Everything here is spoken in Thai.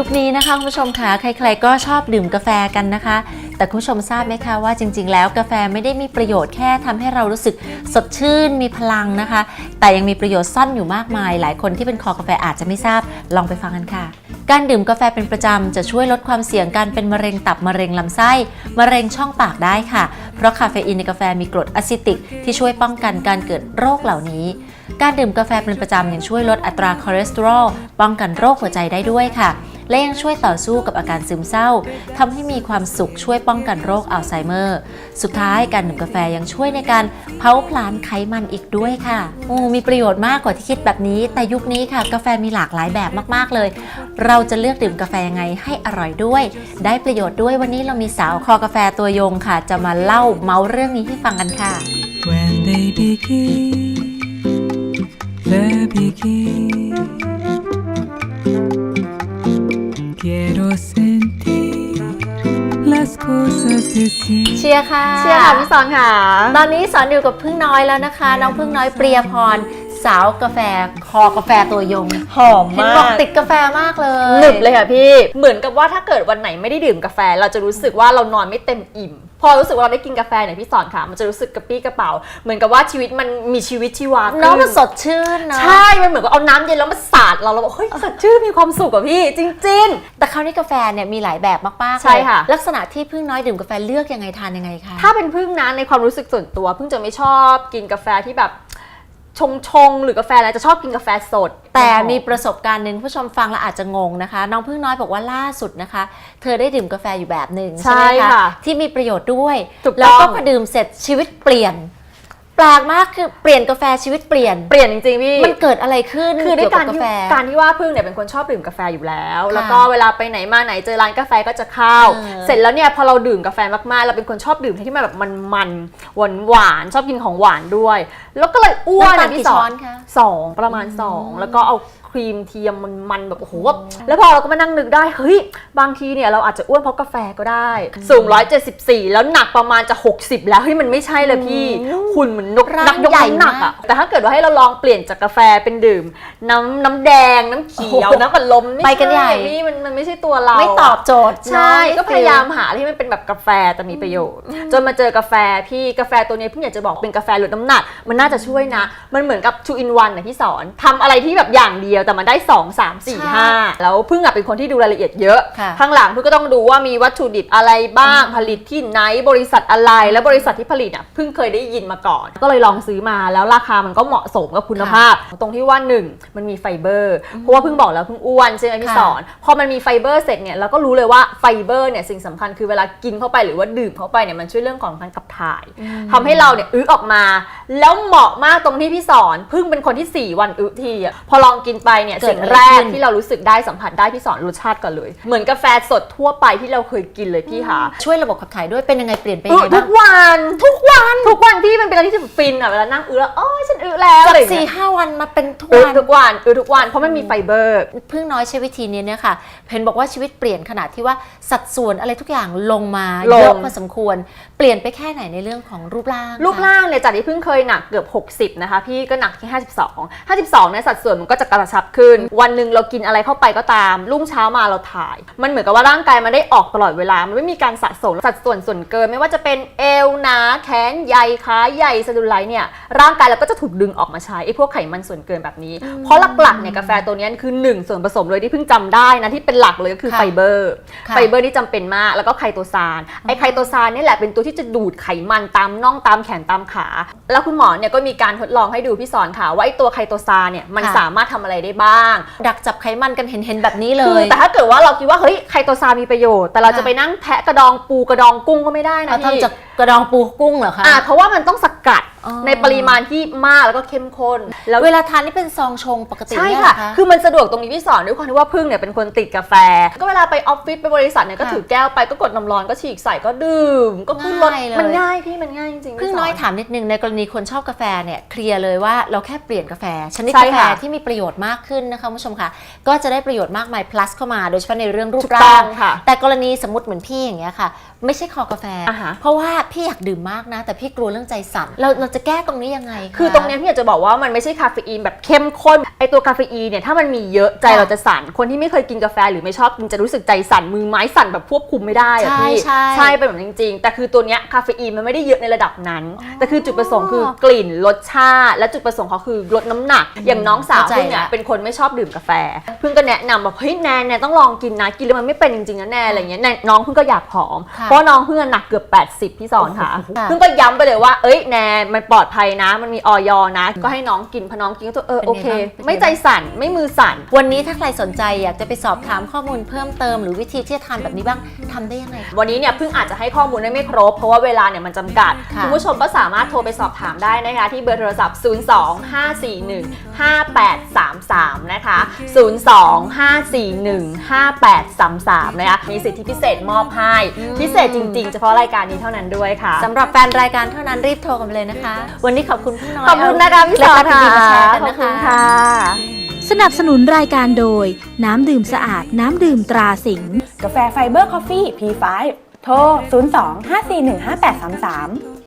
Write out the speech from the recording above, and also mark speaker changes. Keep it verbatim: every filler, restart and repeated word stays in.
Speaker 1: ยุคนี้นะคะคุณผู้ชมค่ะใครๆก็ชอบดื่มกาแฟกันนะคะแต่คุณผู้ชมทราบไหมคะว่าจริงๆแล้วกาแฟไม่ได้มีประโยชน์แค่ทำให้เรารู้สึกสดชื่นมีพลังนะคะแต่ยังมีประโยชน์ซ่อนอยู่มากมายหลายคนที่เป็นคอกาแฟอาจจะไม่ทราบลองไปฟังกันค่ะการดื่มกาแฟเป็นประจำจะช่วยลดความเสี่ยงการเป็นมะเร็งตับมะเร็งลำไส้มะเร็งช่องปากได้ค่ะเพราะคาเฟอีนในกาแฟมีกรดอะซิติกที่ช่วยป้องกันการเกิดโรคเหล่านี้การดื่มกาแฟเป็นประจำยังช่วยลดอัตราคอเลสเตอรอลป้องกันโรคหัวใจได้ด้วยค่ะและยังช่วยต่อสู้กับอาการซึมเศร้าทำให้มีความสุขช่วยป้องกันโรคอัลไซเมอร์สุดท้ายการดื่มกาแฟยังช่วยในการเผาผลาญไขมันอีกด้วยค่ะโอ้มีประโยชน์มากกว่าที่คิดแบบนี้แต่ยุคนี้ค่ะกาแฟมีหลากหลายแบบมากๆเลยเราจะเลือกดื่มกาแฟยังไงให้อร่อยด้วยได้ประโยชน์ด้วยวันนี้เรามีสาวคอกาแฟตัวยงค่ะจะมาเล่าเมาเรื่องนี้ให้ฟังกันค่ะ
Speaker 2: When they begin, they begin. Quiero sentir las cosas de siempre.
Speaker 1: เชียร์ค่ะ
Speaker 3: เชียร์ค่ะพี่สอนค่ะ
Speaker 1: ตอนนี้สอนอยู่กับพึ่งน้อยแล้วนะคะน้องพึ่งน้อยเปรียพรสาวกาแฟคอกาแฟตัวยง
Speaker 3: หอม
Speaker 1: เห็น
Speaker 3: มา
Speaker 1: บอก
Speaker 3: ก
Speaker 1: ติดกาแฟมากเลย
Speaker 3: หนึบเลยค่ะพี่เหมือนกับว่าถ้าเกิดวันไหนไม่ได้ดื่มกาแฟเราจะรู้สึกว่าเรานอนไม่เต็มอิ่มพอรู้สึกว่าเราได้กินกาแฟเนี่ยพี่สอนค่ะมันจะรู้สึกกระปี้กระเป๋าเหมือนกับว่าชีวิตมันมีชีวิตชีวา
Speaker 1: น้องมัน
Speaker 3: ขึ้
Speaker 1: สดชื่นเนาะ
Speaker 3: ใช่มันเหมือนกับเอาน้ำเย็นแล้วมาสาดเราเราบอกเฮ้ยสดชื่นมีความสุขอะพี่จริง
Speaker 1: แต่คราวนี้กาแฟเนี่ยมีหลายแบบมากๆ
Speaker 3: ใช่ค่ะ
Speaker 1: เลยลักษณะที่พึ่งน้อยดื่มกาแฟเลือกยังไงทานยังไงคะ
Speaker 3: ๆถ้าเป็นพึ่งนะในความรู้สึกส่วนตัวพึ่งจะไม่ชอบกินกาแฟที่แบบชงชงๆหรือกาแฟอะไรจะชอบกินกาแฟสด
Speaker 1: แต่มีประสบการณ์หนึ่งผู้ชมฟังแล้วอาจจะงงนะคะน้องพึ่งน้อยบอกว่าล่าสุดนะคะ เธอได้ดื่มกาแฟอยู่แบบหนึ่งใช่ไหม
Speaker 3: ใช่
Speaker 1: คะ
Speaker 3: ค่ะ
Speaker 1: ที่มีประโยชน์ด้วย
Speaker 3: ถูกต้อง
Speaker 1: แล้วก็พอดื่มเสร็จชีวิตเปลี่ยนแปลกมากคือเปลี่ยนกาแฟชีวิตเปลี่ยน
Speaker 3: เปลี่ยนจริงๆพี่
Speaker 1: มันเกิดอะไรขึ้น
Speaker 3: คือด้วยการ
Speaker 1: เกี่ยวบ
Speaker 3: ที่
Speaker 1: กาแฟ
Speaker 3: การที่ว่าพึ่งเนี่ยเป็นคนชอบดื่มกาแฟอยู่แล้ว
Speaker 1: ค่ะ
Speaker 3: แล้วก็เวลาไปไหนมาไหนเจอร้านกาแฟก็จะเข้า
Speaker 1: เออ
Speaker 3: เสร็จแล้วเนี่ยพอเราดื่มกาแฟมากๆเราเป็นคนชอบดื่มที่มันแบบมันๆหวานหวานๆชอบกินของหวานด้วย แล้วก็เลยอ้วน
Speaker 1: น้ำตาล
Speaker 3: อะ
Speaker 1: กี่
Speaker 3: พี่สอ
Speaker 1: ช้อน นคะ
Speaker 3: สองประมาณสองแล้วก็เอาครีมเทียมมันๆแบบโอ้โหแบบแล้วพอเราก็มานั่งนึกได้เฮ้ยบางทีเนี่ยเราอาจจะอ้วนเพราะกาแฟก็ได้สูงหนึ่งร้อยเจ็ดสิบสี่แล้วหนักประมาณจะหกสิบแล้วเฮ้ยมันไม่ใช่เลยพี่หุ่นเหมือนนก
Speaker 1: ร่าง
Speaker 3: นักยก
Speaker 1: ใหญ่
Speaker 3: น้ำหนัก
Speaker 1: มา
Speaker 3: อะ
Speaker 1: ก
Speaker 3: แต่ถ้าเกิดว่าให้เราลองเปลี่ยนจากกาแฟเป็นดื่ม น้ำน้ำแดงน้ำเขียว
Speaker 1: โอ้โห
Speaker 3: น้ำอัดลมม่
Speaker 1: ไปกันใหญ่
Speaker 3: ช่พี่มันมันไม่ใช่ตัวเรา
Speaker 1: ไม่ตอบโจทย์
Speaker 3: ใช่
Speaker 1: เนอะ
Speaker 3: ก็พยายามหาอะไรที่มันเป็นแบบกาแฟแต่มีประโยชน์ จนมาเจอกาแฟพี่กาแฟตัวนี้พี่อยากจะบอกเป็นกาแฟลดน้ำหนัก มันน่าจะช่วยนะ มันเหมือนกับ two in one นะพี่สอนทำอะไรที่แบบอย่างเดียวแต่มันได้สอง สาม สี่ ห้าแล้วพึ่งอะเป็นคนที่ดูรายละเอียดเยอะ
Speaker 1: ค่ะ
Speaker 3: ข้างหลังพึ่งก็ต้องดูว่ามีวัตถุดิบอะไรบ้างผลิตที่ไหนบริษัทอะไรและบริษัทที่ผลิตอ่ะพึ่งเคยได้ยินมาก่อน ก็เลยลองซื้อมาแล้วราคามันก็เหมาะสมกับคุณภาพ ตรงที่ว่าหนึ่งมันมีไฟเบอร์เพราะว่าพึ่งบอกแล้วพึ่งอ้วนใช่ไหมพี่
Speaker 1: ค่ะ
Speaker 3: สอนพอมันมีไฟเบอร์เสร็จเนี่ยเราก็รู้เลยว่าไฟเบอร์เนี่ยสิ่งสำคัญคือเวลากินเข้าไปหรือว่าดื่มเข้าไปเนี่ยมันช่วยเรื่องของการขับถ่ายทำให้เราเนี่ยอึออกมา แล้วเหมาะมากตรงที่พี่สอนพึ่งเป็นคนที่สี่วันอึทีอ่ะพอลองกินไปเนี่ย
Speaker 1: เกิด
Speaker 3: สิ่ง
Speaker 1: อะไร
Speaker 3: แรก
Speaker 1: ขึ้น
Speaker 3: ที่เรารู้สึกได้สัมผัสได้พี่สอนรสชาติก่อนเลยเหมือนกาแฟสดทั่วไปที่เราเคยกินเลยพี่คะ
Speaker 1: ช่วยระบบขับถ่ายด้วยเป็นยังไงเปลี่ยนไป
Speaker 3: อึ
Speaker 1: ยังไง
Speaker 3: ทุ
Speaker 1: บ้าง
Speaker 3: กวันทุกวันทุกวันพี่มันเป็นอะไรที่ฟินอ่ะเวลานั่งอึแล้วโอ้ยฉันอึแล้ว
Speaker 1: จาก
Speaker 3: อะไรอย่าง
Speaker 1: สี่
Speaker 3: เงี้ย
Speaker 1: ห้าวันมาเป็นทุก
Speaker 3: อึ
Speaker 1: วัน
Speaker 3: ทุกวันอึทุกวันเพราะมันมีไฟเบอร์
Speaker 1: พึ่งน้อยใช้วิธีนี้เนี่ยค่ะเห็นบอกว่าชีวิตเปลี่ยนขนาดที่ว่าสัดส่วนอะไรทุกอย่างลงมา
Speaker 3: ลง
Speaker 1: เยอะพอสมควรเปลี่ยนไปแค่ไหนในเรื่องของรูปร่าง
Speaker 3: รูป
Speaker 1: คะ
Speaker 3: ร่างเนี่ยจากที่เพิ่งเคยหนักเกือบหกสิบนะคะพี่ก็หนักที่ห้าสิบสอง ห้าสิบสองเนี่ยสัดส่วนมันก็จะกระชับขึ้น วันหนึ่งเรากินอะไรเข้าไปก็ตามรุ่งเช้ามาเราถ่าย มันเหมือนกับว่าร่างกายมันได้ออกตลอดเวลามันไม่มีการสะสมสัดส่วนส่วนเกินไม่ว่าจะเป็นเอวหนาแขนใหญ่ขาใหญ่สะดุไลท์เนี่ยร่างกายเราก็จะถูกดึงออกมาใช้ไอ้พวกไขมันส่วนเกินแบบนี้ เพราะหลักๆเนี่ยกาแฟตัวนี้คือหนึ่งส่วนผสมเลยที่เพิ่งจำได้นะที่เป็นหลักเลยก็คือ
Speaker 1: ค่ะ
Speaker 3: ไฟเบอร์
Speaker 1: ค่ะ
Speaker 3: ไฟเบอร์นี่จำเป็นมากแล้วก็ไคโตซานไอ้ไคโตซานนี่แหละเป็นตัวที่จะดูดไขมันตามน่องตามแขนตามขา แล้วคุณหมอเนี่ยก็มีการทดลองให้ดูพี่สอนค่ะว่าไอ้ตัวไคโตซานเนี่ยมัน
Speaker 1: ค่ะ
Speaker 3: สามารถทำอะไรได้บ้าง
Speaker 1: ดักจับไขมันกันเห็นๆแบบนี้เล
Speaker 3: คือย แต่ถ้าเกิดว่าเราคิดว่าเฮ้ยไคโตซานมีประโยชน์แต่เราจะไปนั่งแทะกระดองปูกระดองกุ้งก็ไม่ได้นะ
Speaker 1: เอา
Speaker 3: พี่
Speaker 1: ทำจากกระดองปูกุ้งเหรอคะ
Speaker 3: อ่าเพราะว่ามันต้องสกัด
Speaker 1: อ๋อ
Speaker 3: ในปริมาณที่มากแล้วก็เข้มข้นแล้ว
Speaker 1: เวลาทานนี่เป็นซองชงปกติ
Speaker 3: ใช่
Speaker 1: เนี่ยเหร
Speaker 3: ค่ะ
Speaker 1: อคะ
Speaker 3: คือมันสะดวกตรงนี้พี่สอนด้วยความที่ว่าพึ่งเนี่ยเป็นคนติดกาแฟ ก็เวลาไปออฟฟิศไปบริษัทเนี่ยก็
Speaker 1: ค่ะ
Speaker 3: ถือแก้วไปก็กดน้ำร้อนก็ฉีกใส่ก็ดื่มก็ขึ้นรถ
Speaker 1: ง่ายเลย
Speaker 3: มันง่ายพี่มันง่ายจริงๆ
Speaker 1: พึ่ง
Speaker 3: พี่ส
Speaker 1: น้อยถามนิดนึงในกรณีคนชอบกาแฟเนี่ยเคลียร์เลยว่าเราแค่เปลี่ยนกาแฟชนิด
Speaker 3: ใช่
Speaker 1: กาแฟ
Speaker 3: ค่ะ
Speaker 1: ที่มีประโยชน์มากขึ้นนะคะคุณผู้ชมค่ะก็จะได้ประโยชน์มากมาย plus เข้ามาโดยเฉพาะในเรื่องรูป
Speaker 3: ถูกต้
Speaker 1: ร่า
Speaker 3: อง งค่ะ
Speaker 1: แต่กรณีสมมติเหมือนพี่อย่างเงี้ยค่ะ ไม่ใช่คอกาแฟ
Speaker 3: อ่าฮะ
Speaker 1: เพราะว่าพี่อยากดื่มมากนะแต่พี่กลัวเรื่องใจสั่นเราเราจะแก้ตรงนี้ยังไงะ
Speaker 3: คือตรงเนี้ยพี่อยากจะบอกว่ามันไม่ใช่คาเฟอีนแบบเข้มข้นไอตัวคาเฟอีนเนี่ยถ้ามันมีเยอะใจเราจะสั่นคนที่ไม่เคยกินกาแฟหรือไม่ชอบกินจะรู้สึกใจสั่นมือไม้สั่นแบบควบคุมไม่ได้อะ
Speaker 1: ใช่
Speaker 3: พี่
Speaker 1: ใช่
Speaker 3: ใช่เป็นแบบนั้นจริงๆแต่คือตัวเนี้ยคาเฟอีนมันไม่ได้เยอะในระดับนั้น แต่คือจุดประสงค์คือกลิ่นรสชาติและจุดประสงค์เขาคือลดน้ำหนักอย่างน้องสาว
Speaker 1: เข้าใจ
Speaker 3: เพิ่งเนี่ย
Speaker 1: ละ
Speaker 3: เป็นคนไม่ชอบดื่มกาแฟเพิ่งก็แนะนำแบบเฮ้ยแนนแนนต้องลองกินนะกินแล้วมันไม่เป็นจริงๆนะแนนอะไรเงี้ยแนนน้องเพิ่งก็อยากผอม
Speaker 1: ค่ะ
Speaker 3: เพราะน้องเพิ่งหนักเกือบแปดสิบพี่สอนค่ะ
Speaker 1: โอ้โหค่ะ
Speaker 3: เพิ่งก็ย้ำไปเลยว่าเอ้ยแนนมันปลอดภัยนะมันมีออยนะ ก็ให้น้องกินพอน้องกินก็ตัวเออ
Speaker 1: เป็นไง
Speaker 3: โอเค
Speaker 1: บ้างเป็นไง
Speaker 3: ไม่ใจสั่นไม่มือสั่น
Speaker 1: วันนี้ถ้าใครสนใจอยากจะไปสอบถามข้อมูลเพิ่มเติมหรือวิธีที่จะทานแบบนี้บ้างทำได้ยังไงคะ
Speaker 3: วันนี้เนี่ยเพิ่งอาจจะให้ข้อมูลได้ไม่ครบ เพราะว่าเวลาเนี่ยมันจำกัด
Speaker 1: ค่ะ
Speaker 3: คุณผู้ชมก็สามารถโทรไปสอบถามได้นะคะที่เบอร์โทรศัพท์ ศูนย์ สอง ห้า สี่ หนึ่ง ห้า แปด สาม สาม นะคะ ศูนย์ สอง ห้า สี่ หนึ่ง ห้า แปด สาม สาม นะคะมีสิทธิพิเศษมอบให้พิเศษจริงๆเฉพาะรายการนี้เท่านั้นด้วยค่ะ
Speaker 1: สำหรับแฟนรายการเท่านั้นรีบโทรกันไปเลยนะคะ วันนี้ขอบคุณพี่น้อย
Speaker 3: ขอบคุณนะคะพี่สอน
Speaker 1: เคล็ดลับดีๆมาแชร์กัน
Speaker 3: ขอบ
Speaker 1: นะ
Speaker 3: คุณ
Speaker 1: คะ
Speaker 3: ค่ะ
Speaker 4: สนับสนุนรายการโดยน้ำดื่มสะอาดน้ำดื่มตราสิงห์
Speaker 5: กาแฟไฟเบอร์คอฟฟี่ พี ไฟว์ โทร ศูนย์ สอง ห้า สี่ หนึ่ง ห้า แปด สาม สาม